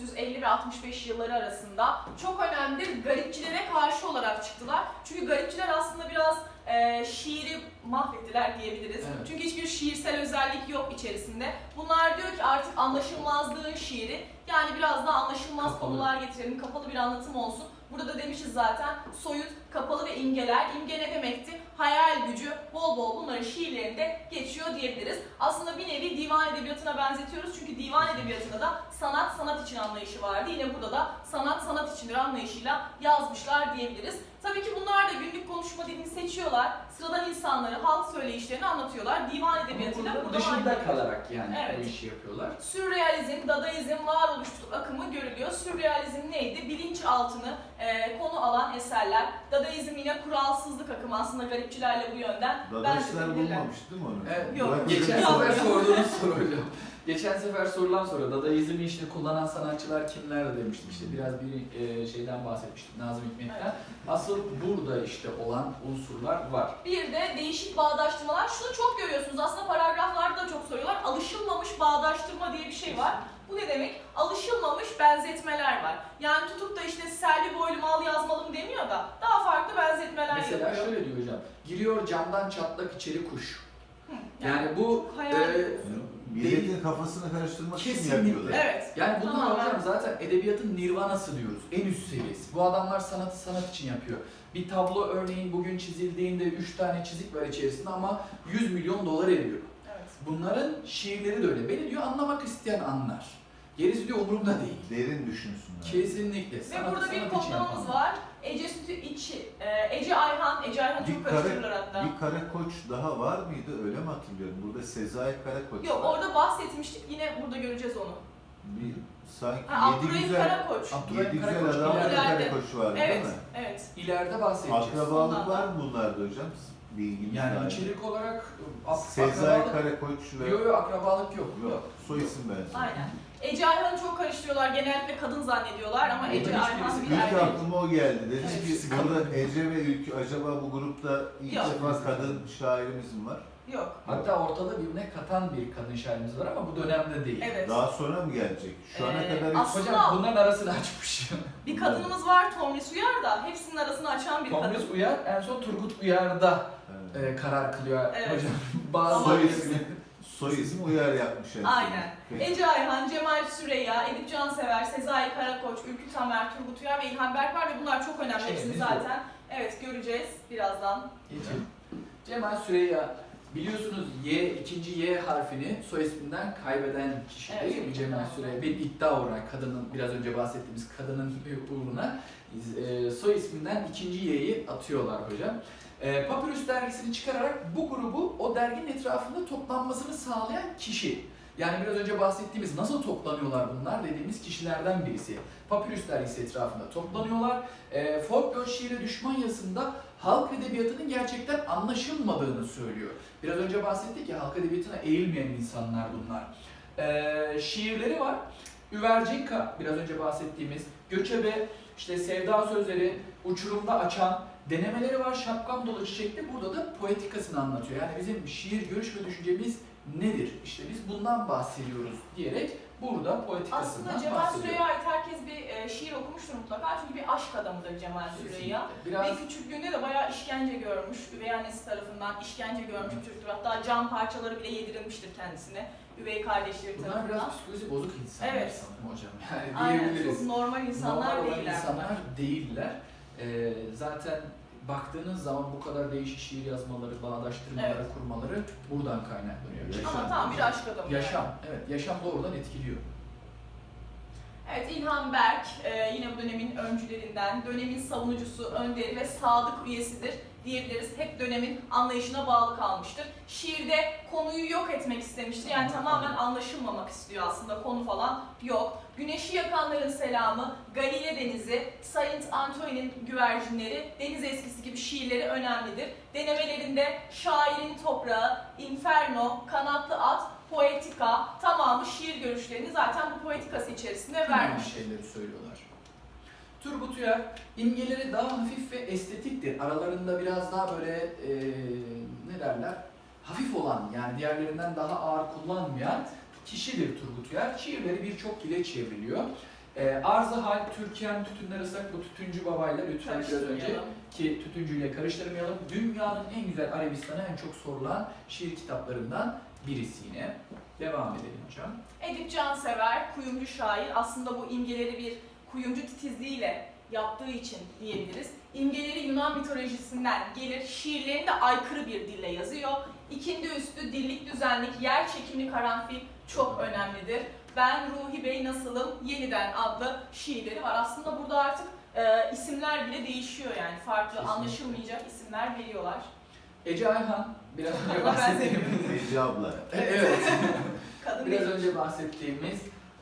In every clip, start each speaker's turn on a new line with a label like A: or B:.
A: 1950 ve 65 yılları arasında çok önemlidir. Garipçilere karşı olarak çıktılar. Çünkü garipçiler aslında biraz şiiri mahvettiler diyebiliriz.
B: Evet.
A: Çünkü hiçbir şiirsel özellik yok içerisinde. Bunlar diyor ki artık anlaşılmazlığın şiiri, yani biraz daha anlaşılmaz
B: Kapalı.
A: konular getirelim, kapalı bir anlatım olsun. Burada da demişiz zaten, soyut, kapalı ve imgeler. İmge ne demekti? Hayal gücü bol bol bunların şiirlerinde geçiyor diyebiliriz. Aslında bir nevi divan edebiyatına benzetiyoruz. Çünkü divan edebiyatında da sanat sanat için anlayışı vardı. Yine burada da sanat sanat içindir anlayışıyla yazmışlar diyebiliriz. Tabii ki bunlar da günlük konuşma dilini seçiyorlar. Sıradan insanları, halk söyleyişlerini anlatıyorlar. Divan edebiyatıyla
B: Burada
A: burada
B: dışında
A: aynı.
B: kalarak yani
A: Evet.
B: bu işi yapıyorlar.
A: Sürrealizm, dadaizm, varoluşçuluk akımı görülüyor. Sürrealizm neydi? Bilinçaltını konu alan eserler. Dadaizm yine kuralsızlık akımı, aslında garipçilerle bu yönden
C: Dadaşlar
A: benzetebilirler.
C: bulmamış değil mi onu?
B: Evet,
A: Yok,
C: Bırak-
B: geçen
A: Yok.
B: sefer sorduğunuz soru hocam. Geçen sefer sorulan soru, Dadaizmi işte kullanan sanatçılar kimler demiştik, işte biraz bir şeyden bahsetmiştik, Nazım Hikmet'ten.
A: Evet.
B: Asıl burada işte olan unsurlar var.
A: Bir de değişik bağdaştırmalar. Şunu çok görüyorsunuz, aslında paragraflarda da çok soruyorlar. Alışılmamış bağdaştırma diye bir şey var. Bu ne demek? Alışılmamış benzetmeler var. Yani tutup da işte Selvi boylu mal yazmalım demiyor da daha farklı benzetmeler
B: Mesela
A: yapıyor.
B: şöyle diyor hocam, giriyor camdan çatlak içeri kuş.
A: Hı,
B: Yani bu
A: hayal-
C: Milletin kafasını karıştırmak için
B: Kesinlikle.
C: yapıyorlar.
A: Evet.
B: yani bunlar
A: Tamamen.
B: hocam zaten edebiyatın nirvanası diyoruz, en üst seviyesi. Bu adamlar sanatı sanat için yapıyor. Bir tablo örneğin bugün çizildiğinde 3 tane çizik var içerisinde ama 100 milyon dolar ediyor.
A: Evet.
B: Bunların şiirleri de öyle. Beni diyor anlamak isteyen anlar. Gerisi diyor umurumda değil.
C: Derin düşünsünler.
B: Kesinlikle.
A: Ve
B: Sanatı
A: burada bir
B: sanat için
A: kodlamamız
B: yapanlar.
A: var. Ece Sütü içi, Ece Ayhan çok karıştırırlar hatta.
C: Bir Karakoç daha var mıydı? Öyle mi hatırlıyorum? Burada Sezai Karakoç
A: Yok,
C: var.
A: orada bahsetmiştik, yine burada göreceğiz onu.
C: Bir, sanki
A: Ha,
C: yedi
A: Abdurrahim
C: güzel,
A: Karakoç.
B: Abdurrahim
C: yedi güzel
B: Karakoç
C: adamlarda
A: ileride.
C: Karakoç var değil
A: Evet,
C: mi?
A: evet.
B: İleride bahsedeceğiz.
C: Akrabalık
A: Ondan
C: var
A: da.
C: mı bunlarda hocam? Bilginiz var
B: Yani
C: mı?
B: içerik olarak
C: Sezai Karakoç ve...
B: Yok akrabalık yok.
C: Yok, soy isim benziyor.
A: Aynen. Ece Ayhan'ı çok karıştırıyorlar. Genellikle kadın zannediyorlar ama
B: Burada
A: Ece
B: hiçbirisi
A: Ayhan bir
B: değil.
C: İlk
A: erkek.
C: aklıma o geldi. Dedim
A: Evet.
C: ki burada Ece ve Ülkü acaba bu grupta ilk
A: Yok.
C: defa kadın şairimiz mi var?
A: Yok.
B: Hatta ortada birbirine katan bir kadın şairimiz var ama bu dönemde değil.
A: Evet.
C: Daha sonra mı gelecek? Şu ana kadar hiç...
A: aslında-
B: Hocam bunların arasını açmış.
A: Bir kadınımız var, Tomris Uyar da hepsinin arasını açan bir kadın.
B: Tomris Uyar en son Turgut Uyar'da
C: Evet.
B: karar kılıyor
A: Evet.
B: hocam. Bazı
C: Soy ismi, soy ismi uyar yapmış en son.
A: Aynen.
C: Peki.
A: Ece Ayhan, Cemal Süreyya, Edip Cansever, Sezai Karakoç, Ülkü Tamer, Turgut Uyar ve İlhan Berk var ve bunlar çok önemli.
B: Şeyimiz
A: Hepsini
B: yok.
A: zaten evet göreceğiz birazdan.
B: Geçelim. Cemal Süreyya, biliyorsunuz ikinci Y harfini soy isminden kaybeden kişi
A: Evet,
B: değil mi Cemal Süreyya? Bir iddia uğruna, kadının biraz önce bahsettiğimiz kadının uğruna soy isminden ikinci Y'yi atıyorlar hocam. Papyrus dergisini çıkararak bu grubu o derginin etrafında toplanmasını sağlayan kişi. Yani biraz önce bahsettiğimiz nasıl toplanıyorlar bunlar dediğimiz kişilerden birisi. Papyrus dergisi etrafında toplanıyorlar. Folklor şiire düşman yazısında halk edebiyatının gerçekten anlaşılmadığını söylüyor. Biraz önce bahsettik ya, halk edebiyatına eğilmeyen insanlar bunlar. Şiirleri var. Üvercinka, biraz önce bahsettiğimiz, Göçebe, işte Sevda Sözleri, Uçurumda Açan, denemeleri var. Şapkam dolu çiçekli, burada da poetikasını anlatıyor. Yani bizim şiir, görüş ve düşüncemiz nedir? İşte biz bundan bahsediyoruz diyerek burada poetikasından
A: Aslında Cemal
B: bahsediyor.
A: Süreyya'ya ait herkes bir şiir okumuştur mutlaka çünkü bir aşk adamıdır Cemal Süreyya.
B: Biraz
A: Ve küçüklüğünde de bayağı işkence görmüş, üvey annesi tarafından işkence görmüş bir çocuktur. Hatta cam parçaları bile yedirilmiştir kendisine, üvey kardeşleri
B: bunlar
A: tarafından.
B: biraz psikoloji bozuk insanlar
A: Evet.
B: sanırım hocam. Yani
A: Aynen,
B: diyebiliriz.
A: çok normal insanlar
B: Normal olan
A: değiller
B: insanlar
A: bunlar.
B: değiller. Zaten baktığınız zaman bu kadar değişik şiir yazmaları, bağdaştırmaları,
A: Evet.
B: kurmaları buradan kaynaklanıyor.
C: Yaşam.
A: Ama tam bir aşk adamı.
B: Yaşam, evet. Yaşam doğrudan etkiliyor.
A: Evet, İlhan Berk yine bu dönemin öncülerinden, dönemin savunucusu, önderi ve sadık üyesidir diyebiliriz. Hep dönemin anlayışına bağlı kalmıştır. Şiirde konuyu yok etmek istemiştir. Yani tamamen anlaşılmamak istiyor aslında, konu falan yok. Güneşi yakanların selamı, Galile Denizi, Saint Antoine'in güvercinleri, deniz eskisi gibi şiirleri önemlidir. Denemelerinde şairin toprağı, Inferno, kanatlı at, poetika, tamamı şiir görüşlerini zaten bu poetikası içerisinde
B: Aynı
A: vermiş.
B: şeyleri söylüyorlar. Turgut Uyar, imgeleri daha hafif ve estetiktir. Aralarında biraz daha böyle ne derler? Hafif olan, yani diğerlerinden daha ağır kullanmayan kişidir Turgut Uyar. Şiirleri birçok dile çevriliyor. Arz-ı hal, Türkiye'nin tütünler ıslak, bu tütüncü babayla lütfen biraz önce
A: Karıştırmayalım.
B: ki tütüncüyle karıştırmayalım. Dünyanın en güzel Arabistan'a en çok sorulan şiir kitaplarından birisi yine. Devam edelim hocam.
A: Edip Cansever, kuyumcu şair. Aslında bu imgeleri bir kuyumcu titizliğiyle yaptığı için diyebiliriz. İmgeleri Yunan mitolojisinden gelir, şiirlerini de aykırı bir dille yazıyor. İkindi üstü, dillik düzenlik, yer çekimi karanfil çok önemlidir. Ben Ruhi Bey Nasılım Yeniden adlı şiirleri var. Aslında burada artık isimler bile değişiyor yani. Farklı,
B: Kesinlikle.
A: Anlaşılmayacak isimler veriyorlar.
B: Ece Ayhan, biraz önce
A: Allah ben
B: bahsettiğimiz...
C: Ece abla.
B: Evet.
A: Kadın
B: Biraz
A: değil.
B: önce bahsettiğimiz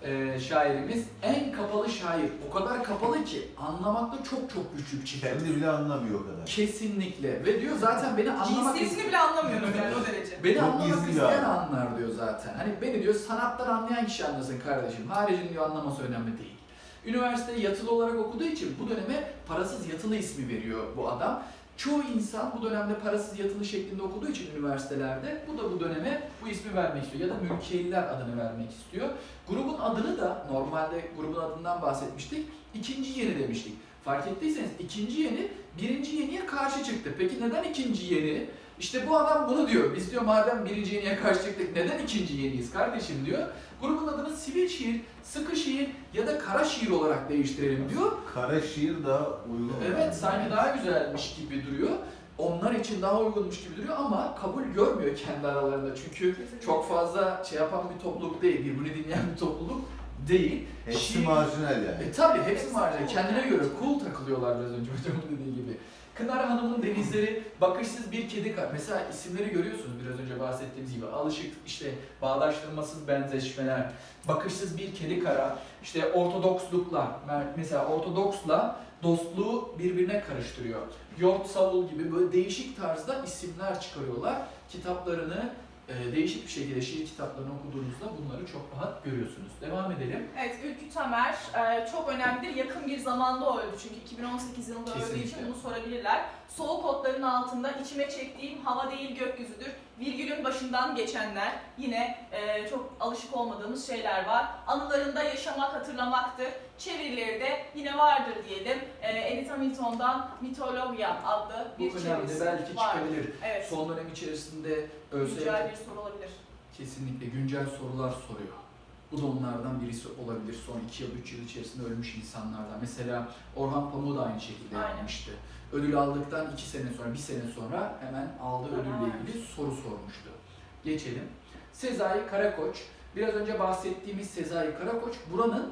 B: şairimiz en kapalı şair. O kadar kapalı ki anlamakta çok çok güçlük çıkar.
C: Kendi bile anlamıyor o kadar.
B: Kesinlikle. Ve diyor zaten beni anlamak
A: Cinsiyetini bile anlamıyoruz yani o derece.
B: Beni
C: Çok
B: anlamak
C: gizli bir
B: isteyen
C: adam.
B: anlar diyor zaten. Hani beni diyor sanattan anlayan kişi anlasın kardeşim. Haricin diyor anlaması önemli değil. Üniversiteyi yatılı olarak okuduğu için bu döneme parasız yatılı ismi veriyor bu adam. Çoğu insan bu dönemde parasız yatılı şeklinde okuduğu için üniversitelerde bu da bu döneme bu ismi vermek istiyor ya da mülkiyeliler adını vermek istiyor. Grubun adını da normalde grubun adından bahsetmiştik. İkinci yeni demiştik. Fark ettiyseniz ikinci yeni birinci yeniye karşı çıktı. Peki neden ikinci yeni? İşte bu adam bunu diyor. Biz diyor madem birinci yeniye karşı çıktık neden ikinci yeniyiz kardeşim diyor. Grubun adını sivil şiir, sıkı şiir ya da kara şiir olarak değiştirelim diyor.
C: Kara şiir daha uygun.
B: Evet, sanki daha güzelmiş gibi duruyor. Onlar için daha uygunmuş gibi duruyor ama kabul görmüyor kendi aralarında. Çünkü çok fazla şey yapan bir topluluk değil, birbirini dinleyen bir topluluk değil.
C: Hepsi marjinal yani.
B: Tabii hepsi
A: Hepsi
B: marjinal.
A: cool
B: Kendine
A: yani.
B: göre cool takılıyorlar biraz önce hocamın dediği gibi. Kınar Hanım'ın denizleri, bakışsız bir kedi kar. Mesela isimleri görüyorsunuz biraz önce bahsettiğimiz gibi. Alışık işte bağdaştırmasız benzeşmeler, bakışsız bir kedi kara, işte ortodoksluklar. Mesela ortodoksla dostluğu birbirine karıştırıyor. Yort Savul gibi böyle değişik tarzda isimler çıkarıyorlar. Kitaplarını değişik bir şekilde şiir kitaplarını okuduğunuzda bunları çok rahat görüyorsunuz. Devam edelim.
A: Evet, Ülkü Tamer çok önemlidir. Yakın bir zamanda öldü çünkü 2018 yılında öldüğü için
B: Kesinlikle.
A: bunu sorabilirler. Soğuk otların altında içime çektiğim hava değil gökyüzüdür. Virgülün başından geçenler yine çok alışık olmadığımız şeyler var. Anılarında yaşamak hatırlamaktır. Çevirileri de yine vardır diyelim. Edith Hamilton'dan Mitologya adlı bir
B: Bu önemli.
A: çevirisi
B: Belki
A: var.
B: çıkabilir.
A: Evet,
B: Son dönem içerisinde ÖSYM
A: güncel bir soru olabilir.
B: kesinlikle güncel sorular soruyor. Bu da onlardan birisi olabilir. Son 2 yıl, 3 yıl içerisinde ölmüş insanlardan. Mesela Orhan Pamuk da aynı şekilde
A: Aynen.
B: yapmıştı. Ödül aldıktan 2 sene sonra, 1 sene sonra hemen aldığı ödülle ilgili soru sormuştu. Geçelim. Sezai Karakoç. Biraz önce bahsettiğimiz Sezai Karakoç buranın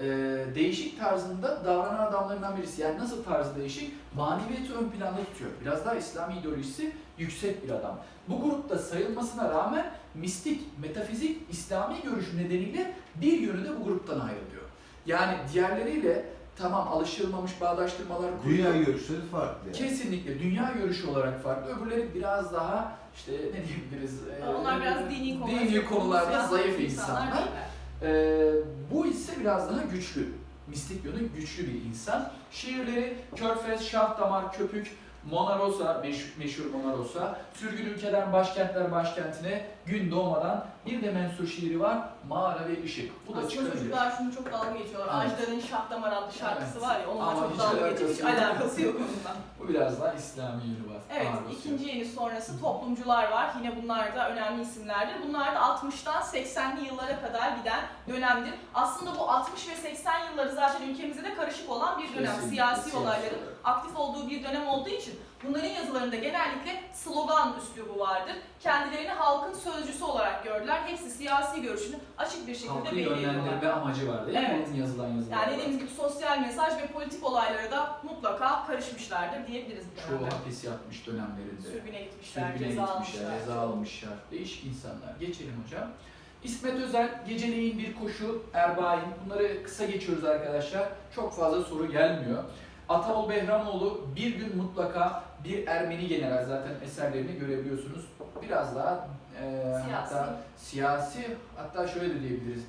B: değişik tarzında davranan adamlarından birisi. Yani nasıl tarzı değişik? Maneviyatı ön planda tutuyor. Biraz daha İslami ideolojisi yüksek bir adam. Bu grupta sayılmasına rağmen mistik, metafizik, İslami görüş nedeniyle bir yönü de bu gruptan ayrılıyor. Yani diğerleriyle tamam alışılmamış bağdaştırmalar kuruyor.
C: Dünya görüşleri farklı yani.
B: Kesinlikle dünya görüşü olarak farklı. Öbürleri biraz daha işte ne diyebiliriz?
A: Onlar biraz dini
B: dini konularda
A: siyasi
B: zayıf insanlar.
A: değiller.
B: Bu ise biraz daha güçlü. Mistik yönü güçlü bir insan. Şiirleri Körfez, Şah Damar, Köpük, Mona Rosa, meşhur Mona Rosa, Sürgün Ülkeden Başkentler Başkentine, Gün Doğmadan bir de mensur şiiri var, Mağara ve Işık. Bu da
A: Aslında
B: çıkabilir.
A: çocuklar şunu çok dalga geçiyorlar.
B: Evet.
A: Ajdar'ın Şah Damar adlı şarkısı
B: Evet.
A: var ya, onunla
B: Ama
A: çok
B: hiç
A: dalga geçiyor. Hiç
B: alakası yok.
A: alakası yok onunla.
B: Bu biraz daha İslami yönü var.
A: Evet,
B: ağır basıyor.
A: ikinci yeni sonrası toplumcular var. Yine bunlar da önemli isimlerdir. Bunlar da 60'tan 80'li yıllara kadar giden dönemdir. Aslında bu 60 ve 80 yılları zaten ülkemizde de karışık olan bir dönem.
B: Kesinlikle,
A: Siyasi olayların
B: olarak.
A: aktif olduğu bir dönem olduğu için bunların yazılarında genellikle slogan üslubu vardır. Kendilerini halkın sözcüsü olarak gördüler. Hepsi siyasi görüşünü açık bir şekilde
B: Halkı
A: belirliyorlar.
B: yönlendirme amacı var değil mi?
A: Evet.
B: Bunun yazılan yazılar
A: Yani
B: var.
A: dediğimiz gibi sosyal mesaj ve politik olaylara da mutlaka karışmışlardır diyebiliriz bu
B: Çoğu
A: dönemde.
B: hapis yatmış dönemlerinde.
A: Sürgüne gitmişler,
B: Sürgüne
A: ceza
B: gitmişler,
A: almışlar.
B: ceza almışlar. Değişik insanlar. Geçelim hocam. İsmet Özel, Geceleyin Bir Koşu, Erbain. Bunları kısa geçiyoruz arkadaşlar. Çok fazla soru gelmiyor. Ataol Behramoğlu, Bir Gün Mutlaka bir Ermeni general. Zaten eserlerini görebiliyorsunuz. Biraz daha
A: Siyasi.
B: hatta siyasi, hatta şöyle de diyebiliriz.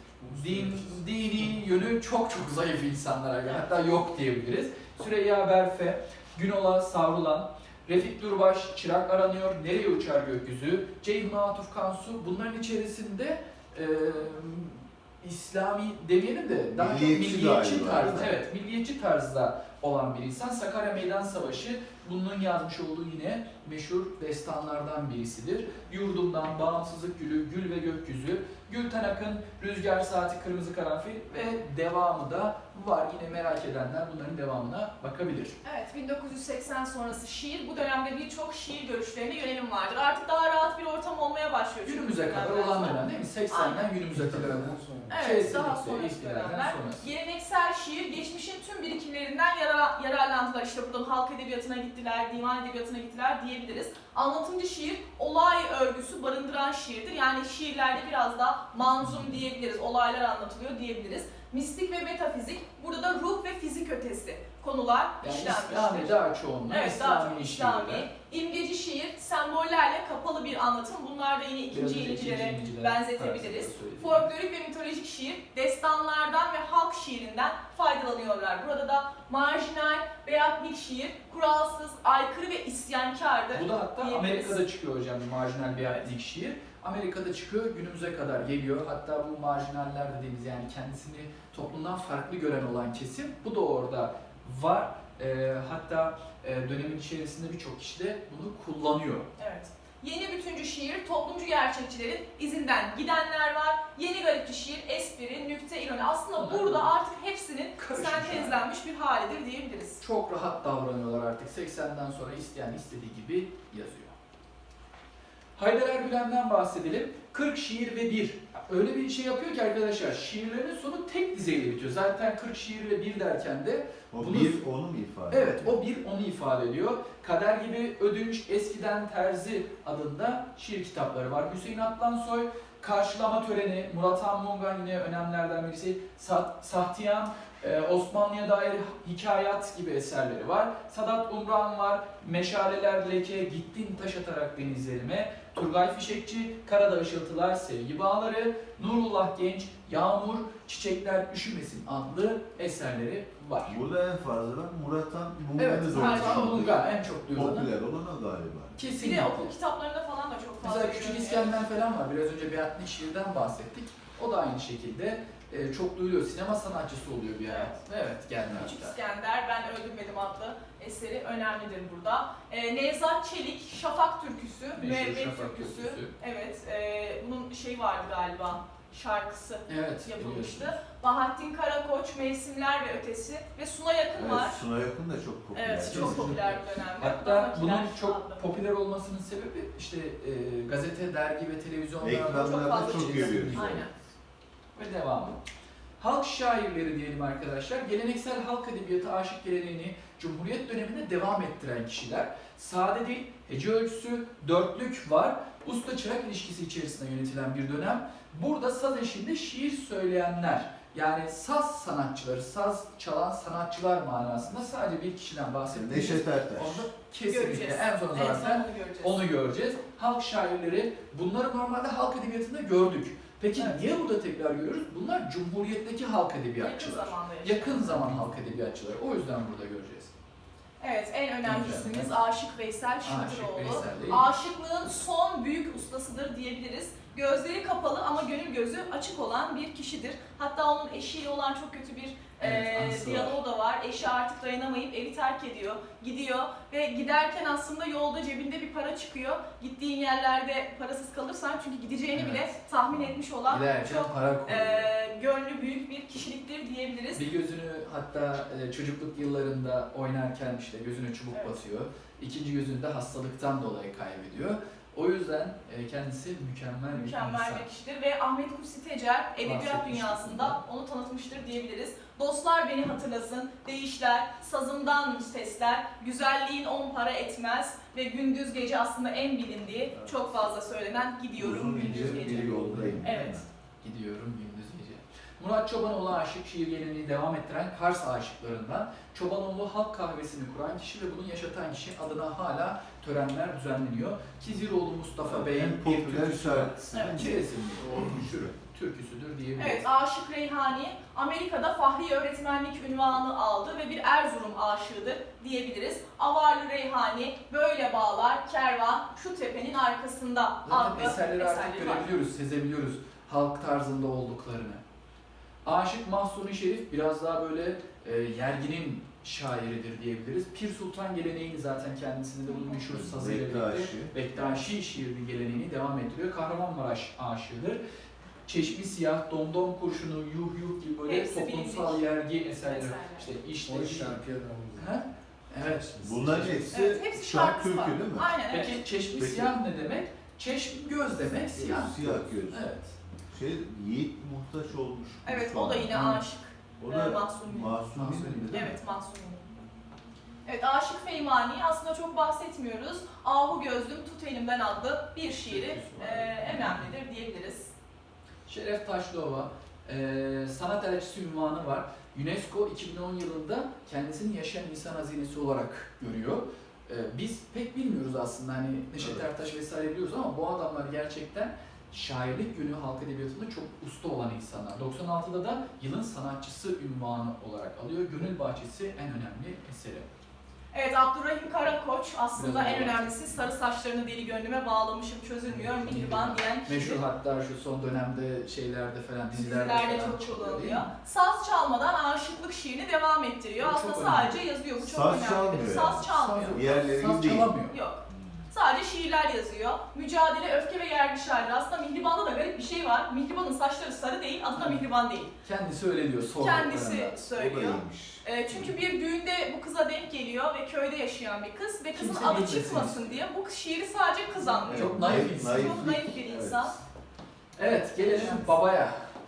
B: Dini yönü çok zayıf insanlara göre. Hatta yok diyebiliriz. Süreyya Berfe, Günola Savrulan, Refik Durbaş, Çırak Aranıyor, Nereye Uçar Gökyüzü, Ceyhun Atuf Kansu, bunların içerisinde İslami demeyelim de daha çok
C: Milliyetçi
B: milliyetçi
C: galiba,
B: tarzda,
C: değil mi?
B: evet, milliyetçi tarzda olan bir insan. Sakarya Meydan Savaşı bunun yazmış olduğu yine meşhur destanlardan birisidir. Yurdumdan, bağımsızlık gülü, gül ve gökyüzü, Gülten Akın, Rüzgar Saati, Kırmızı Karanfil ve devamı da var. Yine merak edenler bunların devamına bakabilir.
A: Evet, 1980 sonrası şiir, bu dönemde birçok şiir görüşlerine yönelim vardır. Artık daha rahat bir ortam olmaya başlıyor. çünkü
B: Günümüze
A: bu
B: kadar
A: dönemden
B: olan
A: sonra.
B: dönem değil mi? 80'den günümüze kadar.
A: Evet, daha
B: Kesinlikle,
A: sonraki
B: ihtilalden
A: dönemler.
B: sonrası.
A: Geleneksel şiir, geçmişin tüm birikimlerinden yararlandılar. İşte buradan halk edebiyatına gittiler, divan edebiyatına gittiler diyebiliriz. Anlatımcı şiir, olay örgüsü barındıran şiirdir. Yani şiirlerde biraz daha manzum diyebiliriz, olaylar anlatılıyor diyebiliriz. Mistik ve metafizik, burada da ruh ve fizik ötesi konular
B: Yani
A: işlenmiştir.
B: İslami daha çoğunluğu,
A: Evet, daha çok
B: İslami
A: İslami.
B: şiirler.
A: İmgeci şiir, sembollerle kapalı bir anlatım. Bunlar da yine
B: Biraz
A: ikinci
B: önce
A: yenilgilere
B: İncil'e
A: benzetebiliriz.
B: tarzında söyledim.
A: Folklorik ve mitolojik şiir, destanlardan ve halk şiirinden faydalanıyorlar. Burada da marjinal, beatnik şiir, kuralsız, aykırı ve isyankardır.
B: Bu da hatta
A: diyebiliriz.
B: Amerika'da çıkıyor hocam, marjinal beatnik şiir. Amerika'da çıkıyor, günümüze kadar geliyor. Hatta bu marjinaller dediğimiz, yani kendisini toplumdan farklı gören olan kesim, bu da orada var. Hatta dönemin içerisinde birçok kişi de bunu kullanıyor.
A: Evet. Yeni bütüncü şiir, toplumcu gerçekçilerin izinden gidenler var. Yeni garipçi şiir, espri, nükte, ironi. Aslında
B: Bunlar
A: burada
B: böyle
A: artık hepsinin
B: karışmış
A: sentezlenmiş bir halidir diyebiliriz.
B: Çok rahat davranıyorlar artık. 80'den sonra isteyen istediği gibi yazıyor. Haydar Ergülen'den bahsedelim. 40 şiir ve 1. Öyle bir şey yapıyor ki arkadaşlar, şiirlerin sonu tek dizeyle bitiyor. Zaten 40 şiir ve 1 derken de
C: O
B: bunu-
C: bir onu mu ifade
B: evet,
C: ediyor?
B: o bir onu ifade ediyor. Kader gibi Ödünç, Eskiden Terzi adında şiir kitapları var. Hüseyin Atlansoy, Karşılama Töreni, Murat Han Mungan yine önemlerden birisi. Sahtiyan, Osmanlı'ya dair hikayat gibi eserleri var. Sadat Umran var, Meşaleler Leke, Gittin Taş Atarak Denizlerime, Turgay Fişekçi, Karada Işıltılar, Sevgi Bağları, Nurullah Genç, Yağmur, Çiçekler Üşümesin adlı eserleri var.
C: Burada en fazla ben Murat Han
B: Evet,
C: Mungan'ı
B: Murat Han
C: zorlandı.
B: Mungan en çok duyulan.
C: Popüler olan o galiba.
A: Bir de
B: Kesinlikle.
A: okul kitaplarında falan da çok fazla
B: Mesela Küçük
A: görünüyor.
B: İskender falan var. Biraz önce Beatnik şiirden bahsettik. O da aynı şekilde çok duyuluyor. Sinema sanatçısı oluyor bir ara. Evet, geldi
A: Küçük
B: hatta.
A: İskender, Ben Öldürmedim adlı eseri önemlidir burada. Nevzat Çelik, Şafak Türküsü,
B: Meşhur
A: Müebbet
B: Şafak
A: Türküsü.
B: Türküsü.
A: Evet, bunun şeyi vardı galiba, şarkısı
B: Evet,
A: yapılmıştı.
B: biliyorsunuz.
A: Bahattin Karakoç, Mevsimler ve Ötesi ve Suna Yakın var.
C: Evet, Suna Yakın da çok popüler.
A: Evet, çok popüler bir dönemde.
B: Hatta
A: Damakiler
B: bunun
A: adlı.
B: çok popüler olmasının sebebi işte gazete, dergi ve televizyonlarda
C: Ekranlarda
A: fazla
C: çok
A: çıkıyor.
C: görüyoruz.
A: Aynen.
B: ve devamı. Halk şairleri diyelim arkadaşlar. Geleneksel halk edebiyatı aşık geleneğini Cumhuriyet döneminde devam ettiren kişiler. Sade dil, hece ölçüsü, dörtlük var. Usta çırak ilişkisi içerisinde yönetilen bir dönem. Burada saz eşliğinde şiir söyleyenler, yani saz sanatçıları, saz çalan sanatçılar manasında sadece bir kişiden bahsettiğimiz.
C: Neşet Ertaş.
B: Onu kesinlikle
A: Göreceğiz.
B: en son
A: En
B: zaten
A: son onu göreceğiz.
B: onu göreceğiz. Halk şairleri, bunları normalde halk edebiyatında gördük. Peki
A: Evet.
B: niye burada tekrar görüyoruz? Bunlar Cumhuriyet'teki halk
A: Yakın
B: edebiyatçılar.
A: zamanda yaşayan.
B: Yakın zaman halk edebiyatçıları. O yüzden burada göreceğiz.
A: Evet, en önemli ismimiz
B: Evet.
A: Aşık Veysel
B: Aşık
A: Şatıroğlu.
B: Veysel değil.
A: Aşıklığın son büyük ustasıdır diyebiliriz. Gözleri kapalı ama gönül gözü açık olan bir kişidir. Hatta onun eşiyle olan çok kötü bir
B: Evet, anısı
A: diyaloğu da var. Eşi artık dayanamayıp evi terk ediyor, gidiyor ve giderken aslında yolda cebinde bir para çıkıyor. Gittiğin yerlerde parasız kalırsan çünkü gideceğini
B: Evet.
A: bile tahmin etmiş olan
B: Giderken
A: çok
B: para koyuyor.
A: gönlü büyük bir kişiliktir diyebiliriz.
B: Bir gözünü hatta çocukluk yıllarında oynarken işte gözüne çubuk
A: Evet.
B: basıyor. İkinci gözünü de hastalıktan dolayı kaybediyor. O yüzden kendisi mükemmel bir
A: Mükemmel
B: insan.
A: bir kişidir ve Ahmet Kutsi Tecer edebiyat
B: Bahsetmiştik
A: dünyasında
B: bundan.
A: onu tanıtmıştır diyebiliriz. Dostlar beni hatırlasın, değişler, sazımdan sesler, güzelliğin 10 para etmez ve gündüz gece aslında en bilindiği,
C: Evet.
A: çok fazla söylenen gidiyorum
C: Uzun
A: gündüz
C: ince
A: gece.
C: bir yoldayım.
A: Evet.
B: Gidiyorum gündüz gece. Murat Çobanoğlu aşık şiir geleneğini devam ettiren Kars aşıklarından. Çobanoğlu halk kahvesini kuran kişi ve bunu yaşatan kişi adına hala törenler düzenleniyor. Kiziroğlu Mustafa Bey'in
C: En
B: bir
C: popüler
B: türküsü var.
C: şarkısı.
A: Evet.
B: Kesinlikle o türküsüdür diyebiliriz.
A: Evet, Aşık Reyhani Amerika'da Fahri öğretmenlik unvanı aldı ve bir Erzurum aşığıdır diyebiliriz. Avarlı Reyhani, Böyle Bağlar, Kervan, Şu Tepenin Arkasında
B: Zaten
A: adlı
B: eserleri artık
A: eserleri var.
B: görebiliyoruz, sezebiliyoruz halk tarzında olduklarını. Aşık Mahsuni Şerif biraz daha böyle yerginin şairidir diyebiliriz. Pir Sultan geleneğini zaten kendisinde de bunun meşhur sazıyla birlikte Bektaşi şiiri geleneğini devam ettiriyor. Kahramanmaraş aşığıdır. Çeşmi Siyah, Domdom Kurşunu, Yuh Yuh gibi böyle
A: Hepsi
B: toplumsal
A: bilindik
B: yergi eserler.
A: eserler.
B: İşte işte
D: O şarkıya da
B: Ha? Evet.
C: Bunların hepsi,
A: Evet, hepsi
C: şark
A: şarkısı
C: türkü
A: var.
C: değil mi?
A: Aynen, evet.
B: Peki Çeşmi
C: Peki.
B: Siyah ne demek? Çeşm göz demek, siyah.
C: Siyah göz.
B: Evet.
C: Yiğit muhtaç olmuş.
A: Evet,
C: şu
A: o da
C: an.
A: yine
B: Hı.
A: aşık.
C: O da
A: Mahsuni.
C: Mahsuni mi?
A: Evet, Mahsuni. Evet, Aşık Feymani aslında çok bahsetmiyoruz. Ahu Gözlüm Tut Elimden adlı bir şiiri önemlidir diyebiliriz.
B: Şeref Taşlıova, sanat elçisi unvanı var. UNESCO 2010 yılında kendisini yaşayan insan hazinesi olarak görüyor. Biz pek bilmiyoruz aslında hani Neşet
C: Evet.
B: Ertaş vesaire biliyoruz ama bu adamlar gerçekten şairlik yönü halk edebiyatında çok usta olan insanlar. 96'da da yılın sanatçısı unvanı olarak alıyor. Gönül Bahçesi en önemli eseri.
A: Evet, Abdurrahim Karakoç aslında
B: Biraz
A: en
B: daha
A: önemlisi sarı saçlarını deli gönlüme bağlamışım çözülmüyor mihriban diyen kişi.
B: Meşhur hatta şu son dönemde şeylerde falan dizilerde
A: Dizilerde
B: falan
A: çok
B: çıkıyor, değil
A: kullanılıyor.
B: mi?
A: Saz çalmadan aşıklık şiirini devam ettiriyor.
B: Bu
A: Aslında
B: çok
A: sadece yazıyor. Bu çok
C: Saz
A: önemli.
C: çalmıyor
A: Saz
C: yani.
A: çalmıyor.
C: Diğerleri
B: Saz
C: değil.
B: çalamıyor.
A: Yok. Sadece şiirler yazıyor. Mücadele, öfke ve yergi şairleri. Aslında Mihriban'da da garip bir şey var. Mihriban'ın saçları sarı değil, adı da Mihriban değil.
B: Kendisi öyle diyor.
A: Kendisi
C: O da
A: söylüyor.
C: iyiymiş.
A: Çünkü bir düğünde bu kıza denk geliyor ve köyde yaşayan bir kız ve kızın
B: Kimse
A: adı
B: bilmesin
A: çıkmasın
B: istiyor.
A: diye bu şiiri sadece kız anlıyor.
B: Çok naif insan.
A: Çok naif bir insan.
B: Evet, gelelim babaya.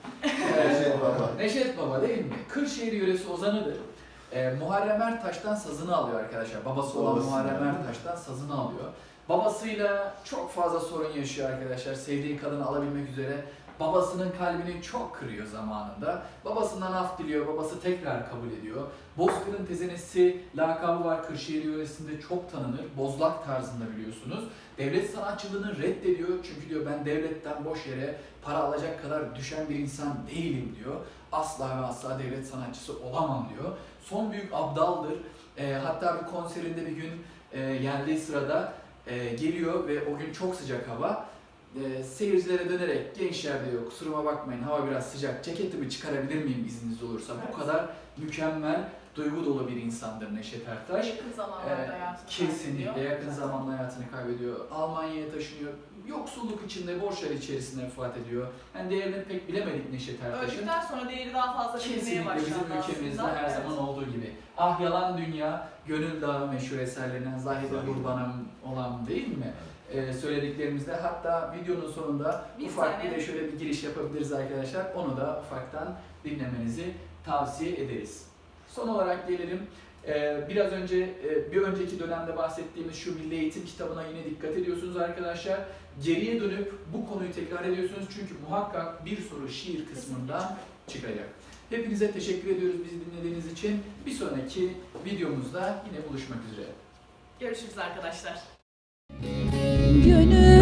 C: Neşet Baba.
B: Neşet Baba değil mi? Kırşehir yöresi ozanıdır. Muharrem Ertaş'tan sazını alıyor arkadaşlar. Babası olan
C: Babası
B: Muharrem
C: yani.
B: Ertaş'tan sazını alıyor. Babasıyla çok fazla sorun yaşıyor arkadaşlar. Sevdiği kadını alabilmek üzere. Babasının kalbini çok kırıyor zamanında. Babasından af diliyor, babası tekrar kabul ediyor. Bozkır'ın tezenesi lakabı var Kırşehir yöresinde çok tanınır. Bozlak tarzında biliyorsunuz. Devlet sanatçılığını reddediyor çünkü diyor ben devletten boş yere para alacak kadar düşen bir insan değilim diyor. Asla ve asla devlet sanatçısı olamam diyor. Son büyük abdaldır. Hatta bir konserinde bir gün geldiği sırada geliyor ve o gün çok sıcak hava. Seyircilere dönerek gençler diyor kusuruma bakmayın hava biraz sıcak ceketimi çıkarabilir miyim izniniz olursa.
A: Evet.
B: Bu kadar mükemmel duygu dolu bir insandır Neşet Ertaş.
A: Yakın zamanlarda hayatını
B: Kesinlikle
A: kaybediyor.
B: yakın zamanda hayatını kaybediyor. Almanya'ya taşınıyor. Yoksulluk içinde, borçlar içerisinde vefat ediyor. Yani değerini pek bilemedik Neşet Ertaş'ın.
A: Öldükten sonra değeri daha fazla bilinmeye
B: Kesinlikle
A: başlandı
B: bizim ülkemizde
A: aslında.
B: her
A: Evet.
B: zaman olduğu gibi. Ah Yalan Dünya, Gönül Dağı meşhur eserlerinden Zahide
C: Zahide.
B: Kurban'ım olan değil mi? Söylediklerimizde hatta videonun sonunda
A: Bir
B: ufak
A: tane.
B: bir de şöyle bir giriş yapabiliriz arkadaşlar. Onu da ufaktan dinlemenizi tavsiye ederiz. Son olarak gelelim. Biraz önce bir önceki dönemde bahsettiğimiz şu Milli Eğitim kitabına yine dikkat ediyorsunuz arkadaşlar. Geriye dönüp bu konuyu tekrar ediyorsunuz çünkü muhakkak bir soru şiir kısmında çıkacak. Hepinize teşekkür ediyoruz bizi dinlediğiniz için. Bir sonraki videomuzda yine buluşmak üzere.
A: Görüşürüz arkadaşlar.
E: Gönül